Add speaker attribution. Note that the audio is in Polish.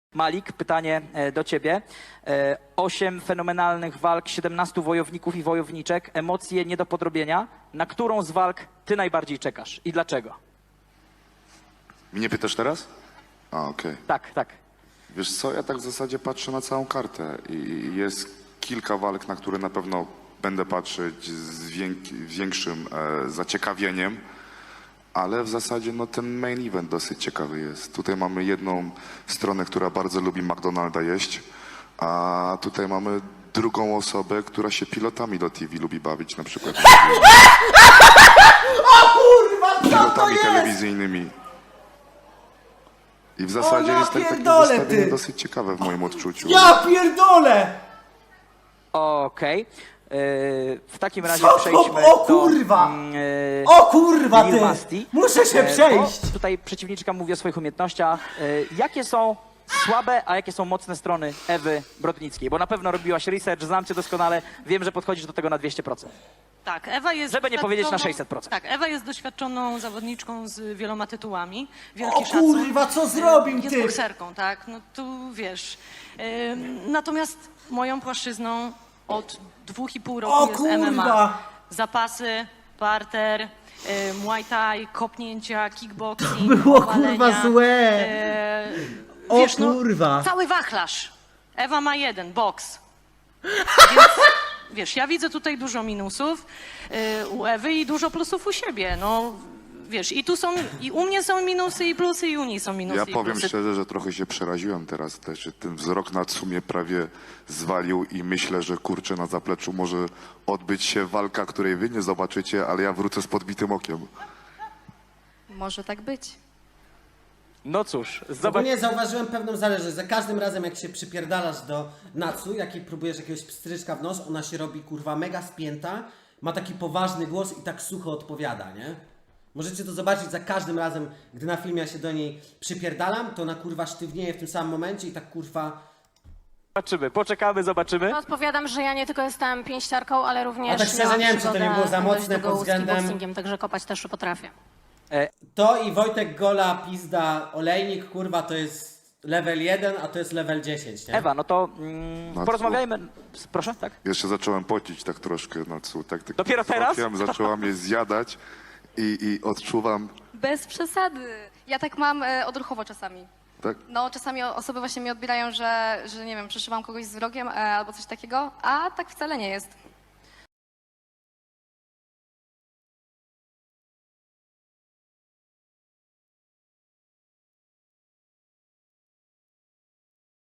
Speaker 1: Malik, pytanie do ciebie. 8 fenomenalnych walk, 17 wojowników i wojowniczek, emocje nie do podrobienia. Na którą z walk ty najbardziej czekasz i dlaczego?
Speaker 2: Mnie pytasz teraz? A, okej.
Speaker 1: Tak, tak.
Speaker 2: Wiesz co, ja tak w zasadzie patrzę na całą kartę i jest kilka walk, na które na pewno będę patrzeć z większym zaciekawieniem, ale w zasadzie no, ten main event dosyć ciekawy jest. Tutaj mamy jedną stronę, która bardzo lubi McDonalda jeść, a tutaj mamy drugą osobę, która się pilotami do TV lubi bawić, na przykład
Speaker 3: O kurwa, co to
Speaker 2: pilotami
Speaker 3: jest?
Speaker 2: telewizyjnymi. I w zasadzie
Speaker 3: ja
Speaker 2: jest takie
Speaker 3: pierdolę,
Speaker 2: zestawienie
Speaker 3: ty.
Speaker 2: dosyć ciekawe w moim odczuciu.
Speaker 3: Ja pierdolę!
Speaker 1: Okej. W takim razie
Speaker 3: Co to?
Speaker 1: przejdźmy
Speaker 3: O kurwa! O kurwa,
Speaker 1: Lil
Speaker 3: ty!
Speaker 1: Masti.
Speaker 3: Muszę się przejść!
Speaker 1: Bo tutaj przeciwniczka mówi o swoich umiejętnościach. Jakie są słabe, a jakie są mocne strony Ewy Brodnickiej? Bo na pewno robiłaś research, znam cię doskonale, wiem, że podchodzisz do tego na 200%.
Speaker 4: Tak, Ewa jest
Speaker 1: Żeby nie powiedzieć na
Speaker 4: doświadczoną-
Speaker 1: 600%.
Speaker 4: Tak, Ewa jest doświadczoną zawodniczką z wieloma tytułami.
Speaker 3: O
Speaker 4: Wielki szacun.
Speaker 3: kurwa, co zrobił,
Speaker 4: Jest
Speaker 3: ty?
Speaker 4: bokserką, tak, no tu wiesz. Natomiast moją płaszczyzną od 2,5 roku
Speaker 3: O
Speaker 4: jest
Speaker 3: kurwa!
Speaker 4: MMA. Zapasy, parter, muay thai, kopnięcia, kickboxing,
Speaker 3: było,
Speaker 4: powalenia,
Speaker 3: kurwa, złe. O
Speaker 4: wiesz,
Speaker 3: kurwa.
Speaker 4: No, cały wachlarz. Ewa ma jeden, boks. Więc, wiesz, ja widzę tutaj dużo minusów u Ewy i dużo plusów u siebie. No, wiesz, i tu są, i u mnie są minusy i plusy, i u niej są minusy
Speaker 2: Ja
Speaker 4: i
Speaker 2: powiem
Speaker 4: plusy.
Speaker 2: szczerze, że trochę się przeraziłem teraz też, że ten wzrok na sumie prawie zwalił i myślę, że kurczę na zapleczu może odbyć się walka, której wy nie zobaczycie, ale ja wrócę z podbitym okiem.
Speaker 5: Może tak być.
Speaker 1: No cóż, zobacz.
Speaker 3: Ogólnie zauważyłem pewną zależność. Za każdym razem, jak się przypierdalasz do Natsu, jak jej próbujesz jakiegoś pstryczka w nos, ona się robi kurwa mega spięta, ma taki poważny głos i tak sucho odpowiada, nie? Możecie to zobaczyć za każdym razem, gdy na filmie ja się do niej przypierdalam, to ona kurwa sztywnieje w tym samym momencie i tak kurwa...
Speaker 1: Zobaczymy, poczekamy, zobaczymy.
Speaker 5: No, odpowiadam, że ja nie tylko jestem pięściarką, ale również
Speaker 3: A tak szczerze,
Speaker 5: miałam
Speaker 3: nie wiem, czy to nie
Speaker 5: przygodę
Speaker 3: było za mocne
Speaker 5: dość długą
Speaker 3: pod względem-
Speaker 5: z kickboxingiem, także kopać też potrafię.
Speaker 3: To i Wojtek Gola, pizda, olejnik, kurwa, to jest level 1, a to jest level 10, nie?
Speaker 1: Ewa, no to
Speaker 2: Matko.
Speaker 1: porozmawiajmy. Proszę, tak?
Speaker 2: Jeszcze zacząłem pocić tak troszkę na cu, tak
Speaker 1: Dopiero teraz?
Speaker 2: Zaczęłam je zjadać i odczuwam,
Speaker 6: Bez przesady. Ja tak mam odruchowo czasami.
Speaker 2: tak?
Speaker 6: No, czasami osoby właśnie mi odbierają, że nie wiem, przeszywam kogoś z wrogiem albo coś takiego, a tak wcale nie jest.